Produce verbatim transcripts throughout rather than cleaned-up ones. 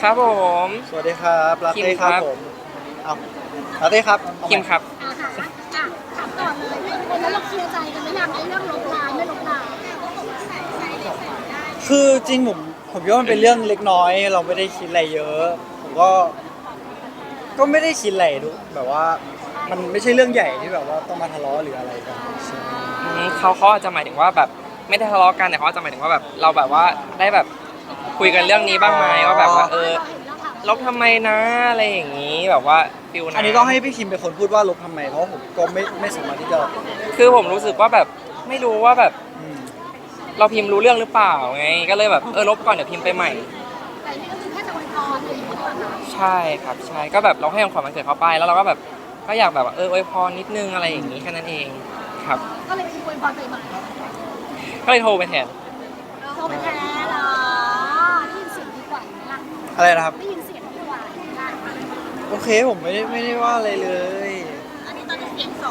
ครับผมสวัสดีครับลาคิมเต้คครัรับบ ผมเอาลาเต้ครับเอาใหคิมครับอ่าค่ะอ่ะถามก่อนเลยวันนั้นเราเคลียร์ใจกันหรือยังไอ้เรื่องลบไลน์ไม่ลบไลน์คือจริงผมผมคิดว่ามันเป็นเรื่องเล็กน้อยเราไม่ได้คิดอะไรเยอะผมก็ก็ไม่ได้คิดอะไรดูแบบว่ามันไม่ใช่เรื่องใหญ่ที่แบบว่าต้องมาทะเลาะหรืออะไรกันใช่อืมเขาเขาอาจจะหมายถึงว่าแบบไม่ได้ทะเลาะกันแต่เขาอาจจะหมายถึงว่าแบบเราแบบว่าได้แบบคุยกันเรื่องนี้บ้างไหมว่าแบบว่าเออเราเห็นเราถามลบทำไมนะอะไรอย่างนี้แบบว่าฟิลนะอันนี้ต้องให้พี่คิมเป็นคนพูดว่าลบทำไมเพราะผมก็ไม่ไม่สามารถที่จะคือผมรู้สึกว่าแบบไม่รู้ว่าแบบอืมเราพิมพ์รู้เรื่องหรือเปล่าไงก็เลยแบบเออลบก่อนเดี๋ยวพิมพ์ไปใหม่แต่นี่ก็คือแค่จะอวยพรอะไรอย่างเงี้ยนะใช่ครับใช่ก็แบบเราให้ของขวัญวันเกิดเขาไปแล้วเราก็แบบก็อยากแบบว่าเอออวยพรนิดนึงอะไรอย่างนี้แค่นั้นเองครับก็เลยอวยพรไปใหม่ก็เลยโทรไปแทนโทรไปแท้เหรอได้ยินเสียงดีกว่าไหมล่ะอะไรนะครับได้ยินเสียงดีกว่าไหมล่ะโอเคผมไม่ได้ไม่ได้ว่าอะไรเลยอันนี้ตอนนี้เสียงสอง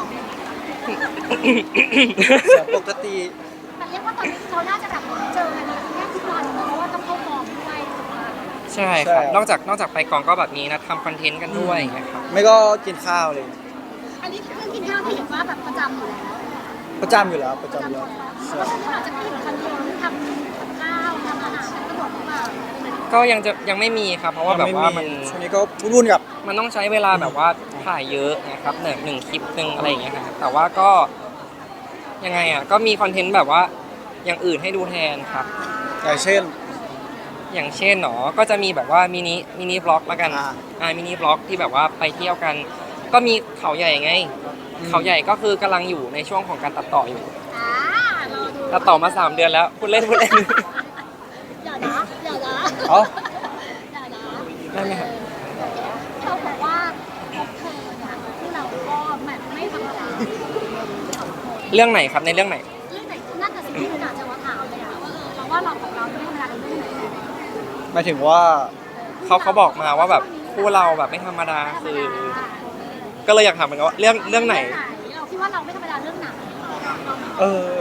เสียงปกติแต่เรียกว่าตอนนี้เขาน่าจะแบบเจอกันแค่ทุกวันเพราะว่าต้องเข้ากองด้วยใช่ครับนอกจากนอกจากไปกองก็แบบนี้นะทำคอนเทนต์กันด้วยนะครับไม่ก็กินข้าวเลยอันนี้เรื่องกินข้าวที่เห็นว่าแบบประจำอยู่แล้วประจำอยู่แล้วประประจำอยู่จำแล้วแล้วก็อาจจะไม่เห็นคอนเทนต์ทำกับข้าวทำอาหารกระโดดมาก็ยังจะยังไม่มีครับเพราะว่าแบบว่ามันช่วงนี้ก็วุ่นๆกับมันต้องใช้เวลาแบบว่าถ่ายเยอะนะครับหนึ่งหนึ่งคลิปหนึ่งอะไรอย่างเงี้ยครับแต่ว่าก็ยังไงอ่ะก็มีคอนเทนต์แบบว่าอย่างอื่นให้ดูแทนครับอย่างเช่นอย่างเช่นหนอก็จะมีแบบว่ามินิมินิบล็อกละกันอ่าอ่ามินิบล็อกที่แบบว่าไปเที่ยวกัน ก็มีเขาใหญ่ไงอืมเขาใหญ่ก็คือกำลังอยู่ในช่วงของการตัดต่ออยู่อ่ารอดูตัดต่อมาสามเดือนแล้วพูดเล่นพูดเล่นอย่านะอย่านะเอ้าอย่านะได้ไหมครับเขาบอกว่าพบเธอเนี่ยที่เราก็แบบไม่ธรรมดาเรื่องไหนครับในเรื่องไหนเรื่องไหนน่าจะสิ่งที่คุณอาจจะว่าถามเลยอะว่าเออเราว่าเราของเราไม่ธรรมดาในเรื่องไหนหมายถึงว่าเขาเขาบอกมาว่าแบบคู่เราแบบไม่ธรรมดาคือ ก็เลยอยากถามเหมือนกันว่าเรื่องเรื่องไหนเราคิดว่าเราไม่ธรรมดาเรื่องไหนเออ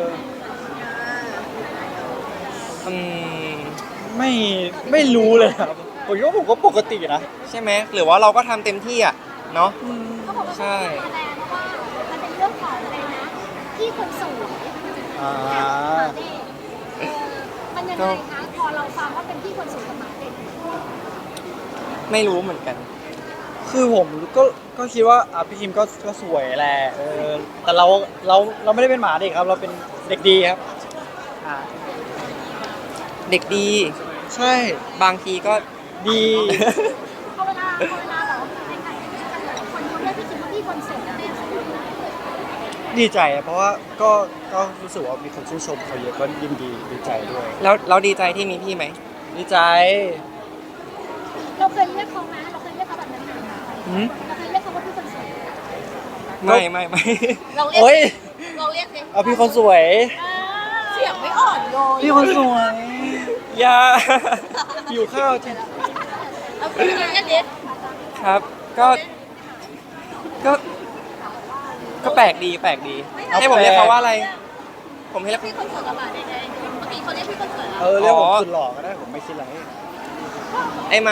อืมไม่ไม่รู้เลยครับผมคิดว่าผมก็ปกตินะใช่ไหมหรือว่าเราก็ทำเต็มที่อ่ะเนาะเขาบอกว่าใช่แสดงว่ามันเป็นเรื่องของอะไรนะที่คนสวยอ่าเออมันยังไงคะพอเราฟังว่าเป็นที่คนสวยกับหมาเด็กไม่รู้เหมือนกันคือผมก็ก็คิดว่าอ่ะพี่คิมก็ก็สวยแหละเออแต่เราเราเราไม่ได้เป็นหมาเด็กครับ เราเป็นเด็กดีครับอ่าเด็กดีใช่บางทีก็ดีพอเวลาพอเวลาแบบว่าในการคนเขาเรียกพี่คิมว่าพี่คนสวยนะเนี่ยดีใจอะเพราะว่าก็ก็รู้สึกว่ามีคนชื่นชมเขาเยอะก็ยินดีดีใจด้วยแล้วเราดีใจที่มีพี่ไหมดีใจเราเคยเรียกเขาไหมเราเคยเรียกเขาแบบนั้นไหมหืมเราเคยเรียกเขาว่าพี่คนสวยไม่ไม่ไม่เราเรียกโอ้ยเราเรียกสิเอาพี่คนสวยเสียงไม่อ่อนโยนพี่คนสวยอย่าหิวข้าวจริงเอาพี่เรียกดิครับ ก็ก็ก็แปลกดีแปลกดีให้ผมเรียกเขาว่าอะไร ผมให้เรียกพี่คนสวยกับหมาเด็กไงเมื่อกี้เขาเรียกพี่คนสวยเออเรียกผมสุดหล่อก็ได้ผมไม่คิดอะไรไอหมา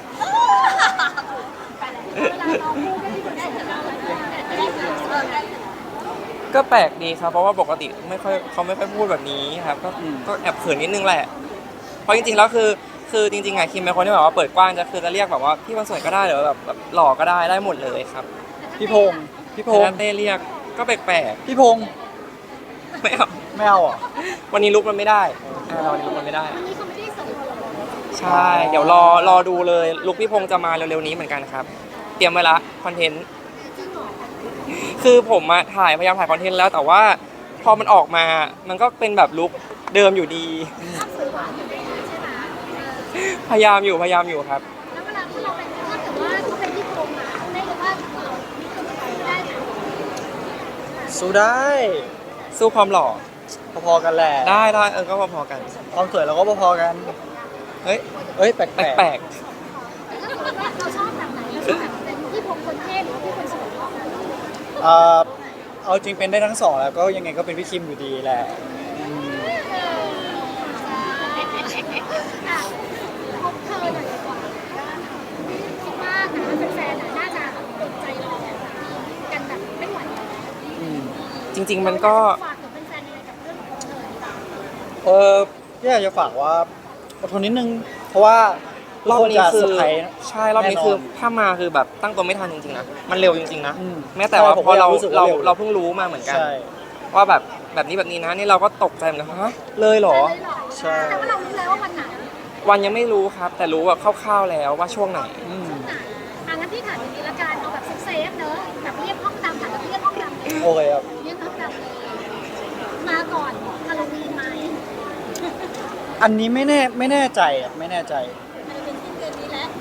เวลาเราพูดก็พี่คนได้แต่เราไม่ได้เออก็แปลกดีครับ เพราะว่าปกติไม่ค่อยเขาไม่ค่อยพูดแบบนี้ครับ ก็ก็แอบเขินนิดนึงแหละ เพราะจริงๆแล้วคือคือจริงๆอะคิมเป็นคนที่แบบว่าเปิดกว้างจะคือจะเรียกแบบว่าพี่คนสวยก็ได้หรือแบบแบบหล่อก็ได้ได้หมดเลยครับพี่พงษ์พี่พแต่งถ้าษ์เต้เรียกก็แปลกพี่พงษ์ๆไม่เอาไม่เอาเหรอ่ะวันนี้ลุกมันไม่ได้อ่าวันนี้ลุกมันไม่ได้วันนี้เขาไม่ได้สวยหรอกใช่ เดี๋ยวรอรอดูเลยลุกพี่พงษ์จะมาเร็วๆนี้เหมือนกันครับ เตรียมไว้ละคอนเทนต์จริงเหรอคือผมมาถ่ายพยายามถ่ายคอนเทนต์แล้วแต่ว่าพอมันออกมามันก็เป็นแบบลุกเดิมอยู่ดีภาพสวยหวานอยู่ในนี้ใช่ไหมพยายามอยู่พยายามอยู่ครับแล้วเวลาที่เราเป็นถ้าเกิดว่าเขาเป็นที่โกงอ่ะได้เลยว่าเรามีคนใส่ได้ไหมสู้ได้สู้ความหล่อพอๆกันแหละได้ได้เออก็พอๆกันความสวยเราก็พอๆกันเฮ้ยเอ้ยแปลกแปลกแต่ถ้าเกิดว่าเราชอบแบบไหนเราชอบแบบเป็นที่ผมคนเท่หรือว่าที่คนสวยๆเอ่อเอาจริงเป็นได้ทั้งสองแล้วก็ยังไงก็เป็นพี่คิมอยู่ดีแหละอืมเออพบเธอหน่อยดีกว่าริง ๆ มันก็ฝากถึงแฟนๆยังไงกับเรื่องของเธอดีกว่าเออพี่อยากจะฝากว่าอดทนนิดนึง เพราะว่ารอบนี้ทุกคืจะเซอร์ไพรส์ใช่รอบนี้แน่นอนคือถ้ามาคือแบบตั้งตัวไม่ทันจริงๆนะมันเร็วจริงๆนะอืมแม้แต่ว่าใช่ผมพอเราก็รู้สึกว่าเราเร็วเราเพิ่งรู้มาเหมือนกันใช่ว่าแบบแบบนี้แบบนี้นะนี่เราก็ตกใจเหมือนกันฮะเลยเหรอเลยเหรอใช่แต่ว่าเรารู้แล้วว่าวันไหนวันยังไม่รู้ครับ แต่รู้แบบคร่าวๆแล้วว่าช่วงไหนอืมไหนอ่ะงั้นพี่ถามอย่างนี้ละกันเอาแบบเซฟๆเนอะแบบเรียกห้องดำถามแบบเรียกห้องดำเลยโอเคครับเรียกห้องดำเลยมาก่อนฮาโลวีนไหมอันนี้ไม่แน่ไม่แน่ใจอ่ะไม่แน่ใจมันจะเป็นสิ้นเดือนนี้แล้ว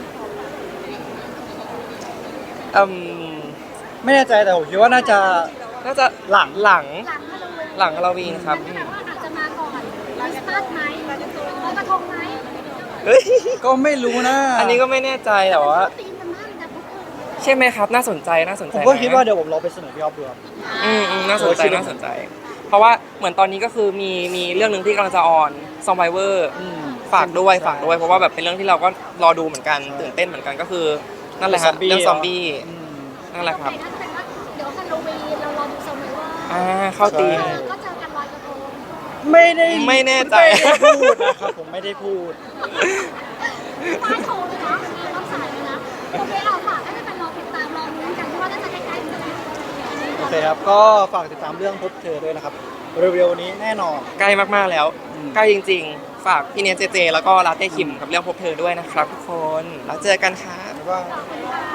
อืมไม่แน่ใจแต่ผมคิดว่าน่าจะน่าจะหลังหลังหลังฮาโลวีนหลังฮาโลวีนครับนั่นแปลว่าอาจจะมาก่อนคริสต์มาสไหมลอยกระทงไหมเฮ้ยก็ไม่รู้นะอันนี้ก็ไม่แน่ใจแต่ว่าตีมมันมากนะพวกคุณใช่ไหมครับ น่าสนใจน่าสนใจผมก็นะคิดว่าเดี๋ยวผมลองไปเสนอพี่ออฟดูครับอืมอืมน่าสนใจโอ้ยคิดว่าน่าสนใจ เพราะว่าเหมือนตอนนี้ก็คือมีมีเรื่องหนึ่งที่กำลังจะออนซอมไบเวอร์อืมฝากด้วยใช่ฝากด้วยเพราะว่าแบบเป็นเรื่องที่เราก็รอดูเหมือนกันตื่นเต้นเหมือนกันก็คือนั่นแหละฮะซอมบี้เรื่องซอมบี้อืมนั่นแหละครับโอเนั่นแปลว่าเดี๋ยวฮาโลวีนเรารอดูซอมไบเวอร์อ่าเข้าตีมใช่ก็เจอกันลอยกระทงไม่ได้ไม่แน่ใจไม่ได้พูดนะครับผมไม่ได้พูดฟ้าโชว์เลยนะรับสายเลยนะโอเคเอาฝากให้เป็นรอติดตามรอลุ้นกันที่ว่าน่าจะใกล้ๆกันแล้วโอเคครับ ก็ฝากติดตามเรื่องพบเธอด้วยนะครับ เร็วๆนี้แน่นอนใกล้มากๆแล้วอืมใกล้จริง ๆ ฝากพี่เนยเจเจ แล้วก็ลาเต้คิมกับเรื่องพบเธอด้วยนะครับทุกคนแล้วเจอกันครับแล้วก็ขอบคุณค่ะ